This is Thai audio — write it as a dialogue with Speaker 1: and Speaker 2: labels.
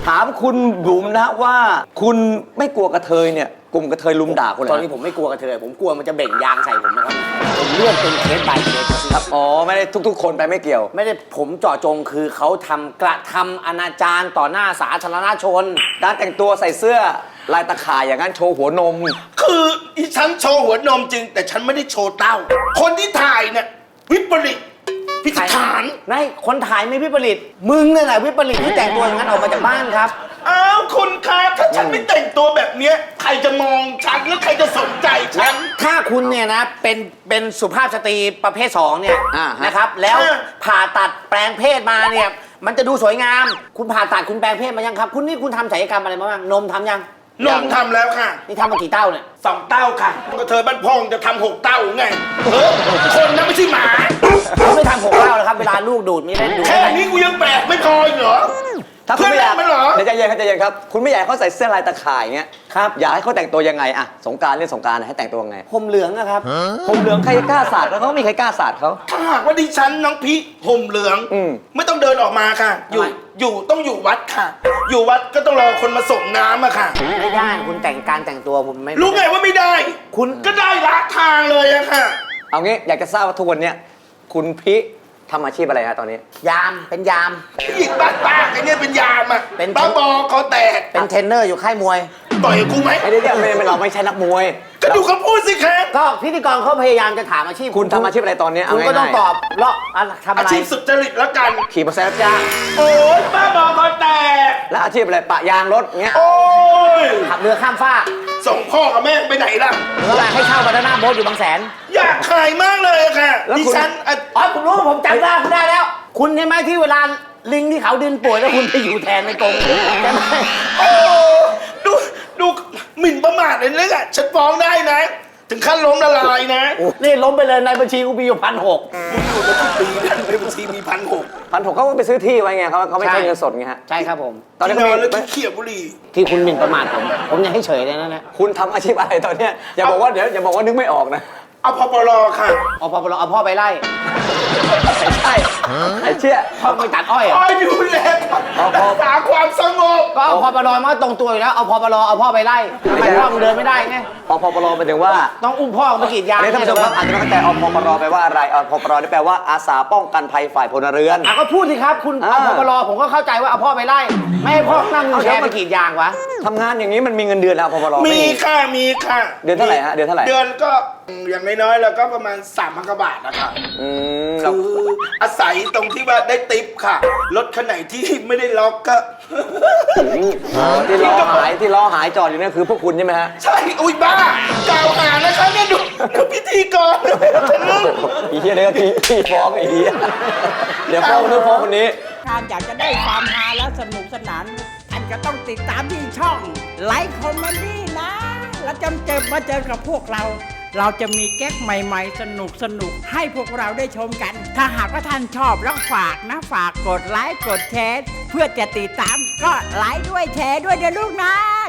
Speaker 1: ถามคุณบุ๋มนะว่าคุณไม่กลัวกระเทยเนี่ยกลุ่มกระเทยลุมด่าคุณเลย
Speaker 2: ตอนนี้ผมไม่กลัวกระเทยผมกลัวมันจะเบ่งยางใส่ผมนะครับผมเลือกเป็นเคส by เคสครับ
Speaker 1: อ๋อไม่ได้ทุกๆคนไปไม่เกี่ยว
Speaker 2: ไม่ได้ผมเจาะจงคือเขากระทำอนาจารต่อหน้าสาธารณชน
Speaker 1: การแต่งตัวใส่เสื้อลายตะข่ายอย่างนั้นโชว์หัวนม
Speaker 3: คืออีฉันโชว์หัวนมจริง แต่ฉันไม่ได้โชว์เต้า คนที่ถ่ายเนี่ยวิปริตพิจาร
Speaker 2: นายคนถ่ายไม่วิปริตมึงเนี่ยแหละวิปริตที่แต่งตัวอย่างนั้นออกมาจากบ้านครับ
Speaker 3: อ้าวคุณคะถ้าฉันไม่แต่งตัวแบบเนี้ยใครจะมองฉันแล้วใครจะสนใจฉัน
Speaker 2: ถ้าคุณเนี่ยนะเป็นสุภาพสตรีประเภท2เนี่ย
Speaker 1: อ่าฮะ
Speaker 2: นะครับแล้วผ่าตัดแปลงเพศมาเนี่ยมันจะดูสวยงาม คุณผ่าตัดคุณแปลงเพศมายังครับคุณนี่คุณทำศัลยกรรมอะไรมาบ้างนมทำยัง
Speaker 3: นมทำแล้วค่ะ
Speaker 2: นี่ทำมากี่เต้าเนี่ย
Speaker 3: 2 เต้าค่ะก็เธอบ้านพ่องจะทำ6 เต้าไงคนนะไม่ใช่หมา
Speaker 2: เขาไม่ทำ6เต้าแล้วครับเวลาลูกดูดมีเล่นดูด
Speaker 3: แค่นี้กูยังแปลกไม่พออีกเหรอ
Speaker 1: ถ้าคุณไม่อยาก
Speaker 3: เพื่อนรักมันเหรอ
Speaker 1: เดี๋ยวใจเย็นครับใจเย็นครับคุณไม่อยากให้เขาใส่เสื้อลายตะข่ายอย่างเงี้ยครับอยากให้เขาแต่งตัวยังไงอะสงกรานต์เล่นสงกรานต์ให้แต่งตัวยังไง
Speaker 2: ผมเหลืองอะครับ
Speaker 1: ผมเหลืองใครกล้าสาดแล้วเขาไม่มีใครกล้าสาดเขา
Speaker 3: ถ้าหากว่าดิฉันน้องพี่ห่มเหลือง ไม่ต้องเดินออกมาค่ะ อยู่ต้องอยู่วัดค่ะ อยู่วัดก็ต้องรอคนมาส่งน้ำอะค่ะ
Speaker 2: ไม่ได้คุณการแต่งตัวผมไม่
Speaker 3: รู้ไงว่าไม่ได้
Speaker 2: คุณ
Speaker 3: ก็ได้ละทางเลยอะค่ะ
Speaker 1: เอางี้อยากจะทราบว่าทุกวันเนี้ยคุณพิทำอาชีพอะไรฮะตอนนี้
Speaker 2: ยามเป็นยาม
Speaker 3: อีกบ้าๆไอ้เนี่ยเป็นยามอะ
Speaker 2: เป็น
Speaker 3: บ้าบอคอแตก
Speaker 2: เป็นเทรนเนอร์อยู่ค่ายมวย
Speaker 3: ต่อยกับกูไหม
Speaker 1: ไม่ได้ไม่เราไม่ใช่นักมวย
Speaker 3: ก็ดูเขาพูดสิคะ
Speaker 2: ก็พิธีกรเขาพยายามจะถามอาชีพ
Speaker 1: คุณทำอาชีพอะไรตอนนี้
Speaker 2: คุณก็ต้องตอบแล้วทำ
Speaker 3: อา
Speaker 2: อะไร
Speaker 3: ชีพสุจริตแล้วกัน
Speaker 1: ขี่มอเตอร์ไซค์รับจ้าง
Speaker 3: โอ๊ยบ้าบอคอแตก
Speaker 1: แล้วอาชีพอะไรปะยางรถเงี้ย
Speaker 3: โอ๊ย
Speaker 2: ขับเรือข้ามฟาก
Speaker 3: ส่งพ่อกับแม่ไปไหนล่ะ
Speaker 2: หรืออะไรให้เช่าบานาน่าโบ๊ทอยู่บางแสน
Speaker 3: อยากขายมากเลยอะค่ะดิฉันอะ
Speaker 2: อ๋อผมรู้ผมจำได้คุณได้แล้ว คุณใช่ไหมที่เวลาลิงที่เขาดินป่วยแล้วคุณไปอยู่แทนในกรงใช่ไหม
Speaker 3: โอ้ดูหมิ่นประมาทเลยนะฉันฟ้องได้นะ ถึงขั้นล้มละลายนะ
Speaker 2: นี่ล้มไปเลยในบัญชีกูมีอยู่1,600
Speaker 3: มึงอยู่มากี่ปีแล้วในบัญชีมี1,600
Speaker 1: 1,600เขาก็ไปซื้อที่ไว้ไงเขาไม่ใช่เงินสดไงฮะ
Speaker 2: ใช่ครับผม
Speaker 1: ตอนนี้
Speaker 3: น
Speaker 1: เขา
Speaker 3: อน
Speaker 1: มี
Speaker 3: แล้วขี้เขียวบุหรี่
Speaker 2: ที่คุณหมิ่นประมาทผมยังให้เฉยเลยนะ
Speaker 1: คุณทำอาชีพอะไรตอนเนี้ยอย่าบอกว่าเดี๋ยวอย่าบอกว่านึกไม่ออกนะ
Speaker 3: เอาพปรค่ะ
Speaker 2: เอาพอเอาพ่อไปไล่
Speaker 1: ไม่ใช่ไอ้เชี่ย
Speaker 2: พ่อไปตัดอ้อย
Speaker 3: คอยดูแลรักษาความสงบ
Speaker 2: ก็เอาพอปลมาตรงตัวอยู่แล้วเอาพอปลเอาพ่อไปไล่ทำไมพ่อมึงเดินไม่ได้ไง
Speaker 1: พปรหมายถึงว่า
Speaker 2: ต้องอุ้มพ่อไปกรีดยาง
Speaker 1: เนี่ยท่านผู้ชมครับอาจจะไม่เข้าใจอพปรแปลว่าอะไรอพปรนี่แปลว่าอาสาป้องกันภัยฝ่ายพลเรือน
Speaker 2: ก็พูดสิครับคุณเอาพอปลผมก็เข้าใจว่าเอาพ่อไปไล่ไม่ให้พ่อนั่งวิวแชร์ไปกรีดยางวะ
Speaker 1: ทำงานอย่างนี้มันมีเงินเดือนแล้วพปร
Speaker 3: มีค่ะมีค่ะ
Speaker 1: เดือนเท่าไหร่ฮะเดือนเท่าไหร่
Speaker 3: เดือนก็อย่างน้อยๆแล้วก็ประมาณ3,000 กว่าบาทนะคะ
Speaker 1: เรา
Speaker 3: คืออาศัยตรงที่ว่าได้ติปค่ะรถคันไหนที่ไม่ได้ล็อกก็
Speaker 1: ที่ล้อหายจอดอยู่เนี่ยคือพวกคุณใช่ไหมฮะ
Speaker 3: ใช่ อุ้ยบ้ากล่าวหานะคะเนี่ยดูพิธีกรทะลึ่ง
Speaker 1: อีเหี้ยเนี่ยก็ที่ฟ้องไอ้เหี้ยเดี๋ยวฟ้องคนนู้นฟ้องคนนี้
Speaker 4: ท่านอยากจะได้ความฮาและสนุกสนานท่านก็ต้องติดตามที่ช่องไลค์คอมเมดี้นะ แล้วจำเจอมาเจอกับพวกเรา เราจะมีแก๊กใหม่ๆ สนุกให้พวกเราได้ชมกัน ถ้าหากว่าท่านชอบแล้วฝากนะ ฝากกดไลค์กดแชร์เพื่อจะติดตามก็ไลค์ด้วยแชร์ด้วยเดี๋ยวลูกนะ